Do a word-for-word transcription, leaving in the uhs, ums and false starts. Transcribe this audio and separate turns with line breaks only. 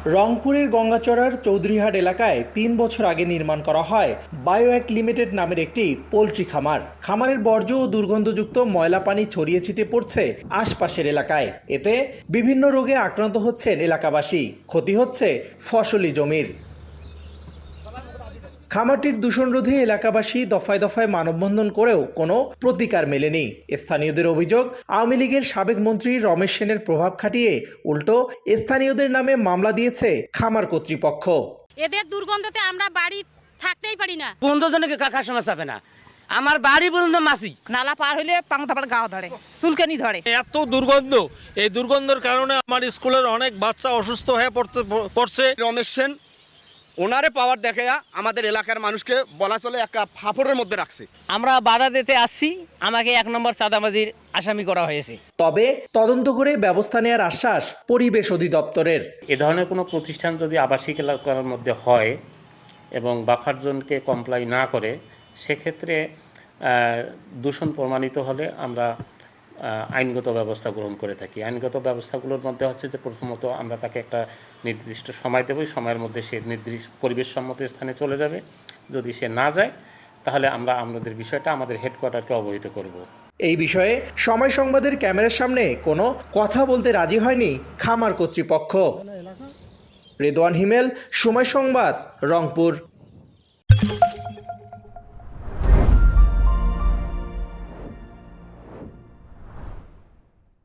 রংপুরের গঙ্গাচড়ার চৌধুরীহাট এলাকায় তিন বছর আগে নির্মাণ করা হয় বায়োএক লিমিটেড নামের একটি পোলট্রি খামার। খামারের বর্জ্য ও দুর্গন্ধযুক্ত ময়লা পানি ছড়িয়ে ছিটিয়ে পড়ছে আশপাশের এলাকায়। এতে বিভিন্ন রোগে আক্রান্ত হচ্ছেন এলাকাবাসী, ক্ষতি হচ্ছে ফসলি জমির। খামারটির দূষণ রোধে এলাকাবাসী দফায় দফায় মানববন্ধন করেও কোনো প্রতিকার মেলেনি। স্থানীয়দের অভিযোগ, আওয়ামী লীগের সাবেক মন্ত্রী রমেশ সেনের প্রভাব খাটিয়ে উল্টো স্থানীয়দের নামে মামলা দিয়েছে খামার কর্তৃপক্ষ।
এদের দুর্গন্ধতে আমরা বাড়ি থাকতেই পারি না।
পনেরো জনকে কাকার সমস্যা হবে না, আমার বাড়ি পর্যন্ত মাসি
নালা পার হইলে পাংতা পাড় গাও ধরে, চুলকানি ধরে।
এত দুর্গন্ধ, এই দুর্গন্ধের কারণে আমার স্কুলের অনেক বাচ্চা অসুস্থ হয়ে পড়তে পড়ছে।
রমেশ সেন ওনারে পাওয়ার দেখে আমাদের এলাকার মানুষকে বলা চলে একটা ফাফড়ের মধ্যে রাখছে।
আমরা বাধা দিতে আসছি, আমাকে এক নম্বর চাঁদাবাজির আসামি করা হয়েছে।
তবে তদন্ত করে ব্যবস্থা নেওয়ার আশ্বাস পরিবেশ অধিদপ্তরের।
এ ধরনের কোনো প্রতিষ্ঠান যদি আবাসিক এলাকার মধ্যে হয় এবং বাফার জোনকে কমপ্লাই না করে, সেক্ষেত্রে দূষণ প্রমাণিত হলে আমরা আইনগত ব্যবস্থা গ্রহণ করে থাকি। আইনগত ব্যবস্থাগুলোর মধ্যে হচ্ছে যে প্রথমত আমরা তাকে একটা নির্দিষ্ট সময় দেব, সময়ের মধ্যে সে নির্দিষ্ট পরিবেশ সম্মত স্থানে চলে যাবে। যদি সে না যায় তাহলে আমরা আমাদের বিষয়টা আমাদের হেডকোয়ার্টারকে অবহিত করব।
এই বিষয়ে সময় সংবাদের ক্যামেরার সামনে কোনো কথা বলতে রাজি হয়নি খামার কর্তৃপক্ষ। রেদওয়ান হিমেল, সময় সংবাদ, রংপুর।